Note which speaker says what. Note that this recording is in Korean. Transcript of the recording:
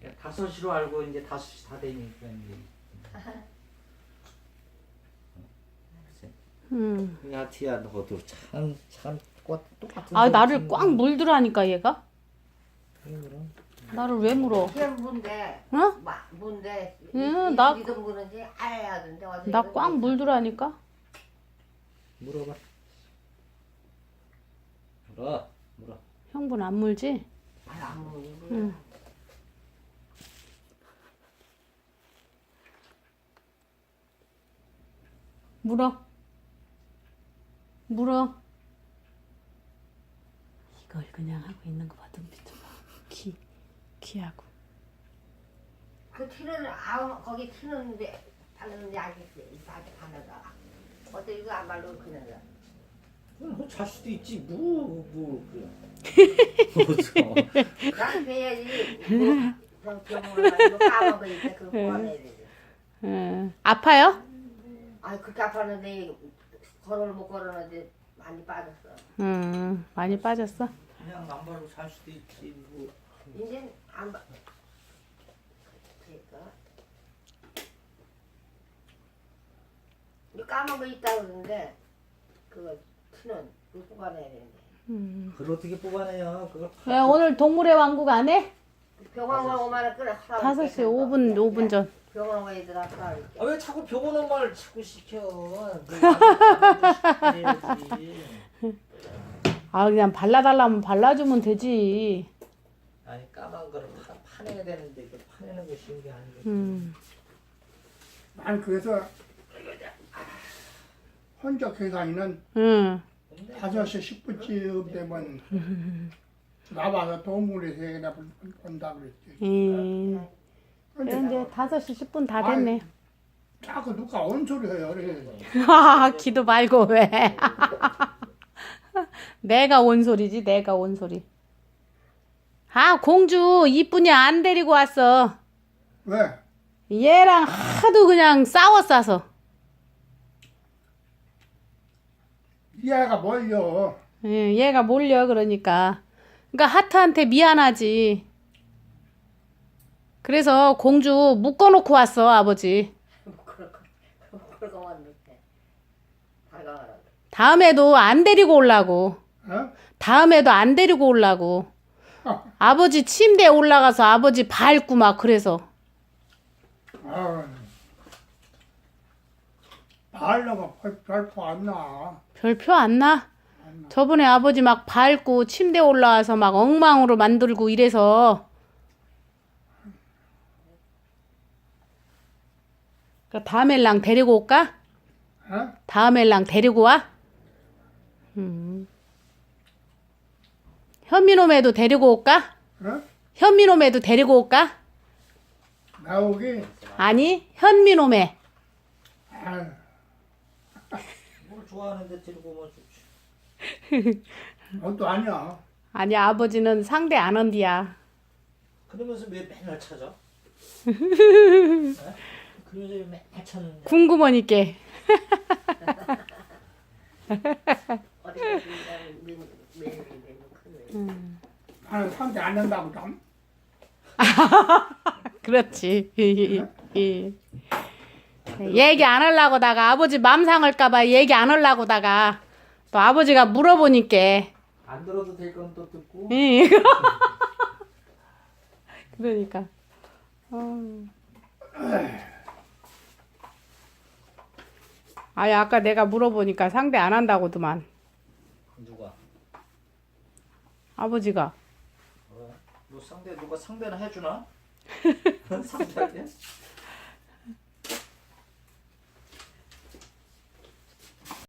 Speaker 1: 5시로 알고 이제 5시 다 되니까 이제. 야 티야 너도 참 똑같은.
Speaker 2: 아 나를 꽉 물들하니까 얘가.
Speaker 1: 그럼.
Speaker 2: 나를 왜 물어?
Speaker 3: 그냥 문데.
Speaker 2: 어?
Speaker 3: 문데.
Speaker 2: 응, 나-
Speaker 3: 이동 부는지 알아야던데.
Speaker 2: 나 꽉 물들하니까.
Speaker 1: 물어봐. 물어.
Speaker 2: 형분 안 물지?
Speaker 3: 안 먹는 거.
Speaker 2: 응. 물어. 이걸 그냥 하고 있는 거 봐. 눈빛 좀 봐. 귀하고.
Speaker 3: 그 티는 거기 티는데 바르는데 아직 바르다. 어때 이거 안 바르고 그냥.
Speaker 1: 그럼 잘 수도 있지. 그래.
Speaker 3: 난 배야지. 뭐 병원에 가서 까먹어 있다. 그거 보완해야 되지.
Speaker 2: 아파요?
Speaker 3: 아 그렇게 아팠는데 걸어를 못 걸었는데 많이 빠졌어.
Speaker 2: 많이 빠졌어?
Speaker 1: 그냥 안 바르고 살 수도 있지. 뭐.
Speaker 3: 이제 안 봐. 그러니까 이거 까먹어 있다 그러는데 그거 티는 그거 뽑아내야 되는데.
Speaker 1: 그걸 어떻게 뽑아내요? 그걸
Speaker 2: 왜 오늘 동물의 왕국 안 해?
Speaker 3: 병원 가 오면 끌어.
Speaker 2: 5시 5분 전.
Speaker 3: 병원 가 얘들아 하라.
Speaker 1: 아, 왜 자꾸 병원 엄마를 자꾸 시켜?
Speaker 2: 아 그냥 발라달라면 발라주면 되지.
Speaker 1: 아니 까만 거를 파내야 되는데 그 파내는 거 쉬운 게 아니거든.
Speaker 4: 난 그래서 혼적 계산이는
Speaker 2: 응.
Speaker 4: 5시 10분쯤 되면 나와서 동물에서 그냥 본다 그랬지.
Speaker 2: 그런데 5시 10분 다 됐네.
Speaker 4: 자꾸 누가 온 소리 해요. 그래.
Speaker 2: 기도 말고 왜? 내가 온 소리지, 내가 온 소리. 아, 공주 이쁜이 안 데리고 왔어.
Speaker 4: 왜?
Speaker 2: 얘랑 하도 그냥 싸웠어서.
Speaker 4: 이 아이가 뭘요?
Speaker 2: 얘가 몰려 그러니까. 그러니까 하트한테 미안하지. 그래서 공주 묶어놓고 왔어, 아버지.
Speaker 3: 그러고 왔는데 다가가라.
Speaker 2: 다음에도 안 데리고 오려고.
Speaker 4: 어?
Speaker 2: 다음에도 안 데리고 오려고. 아버지 침대에 올라가서 아버지 밟고 막 그래서.
Speaker 4: 아, 하려고 별표 안 나.
Speaker 2: 별표 안 나? 저번에 아버지 막 밟고 침대에 올라와서 막 엉망으로 만들고 이래서. 그러니까 다음에랑 데리고 올까?
Speaker 4: 어?
Speaker 2: 다음에랑 데리고 와? 현미놈에도 데리고 올까?
Speaker 4: 어?
Speaker 2: 현미놈에도 데리고 올까?
Speaker 4: 나오기?
Speaker 2: 아니, 현미놈에.
Speaker 4: 아,
Speaker 1: 뭘 좋아하는데 데리고 오면 좋지.
Speaker 4: 그것도 아니야.
Speaker 2: 아니, 아버지는 상대 안 한디야.
Speaker 1: 그러면서 왜 맨날 찾아? 그러면서 왜 맨날 찾는데?
Speaker 2: 궁금하니까.
Speaker 3: 어디 가서 매일
Speaker 4: 나는 상대 안 한다고 좀.
Speaker 2: 그렇지. 얘기 안 하려고다가 아버지 맘 상할까봐 얘기 안 하려고다가 또 아버지가 물어보니까.
Speaker 1: 안 들어도 될 건 또 듣고.
Speaker 2: 그러니까. 아니 아까 내가 물어보니까 상대 안 한다고더만
Speaker 1: 누가?
Speaker 2: 아버지가.
Speaker 1: 너 상대 누가 상대는 해주나? 상대한테?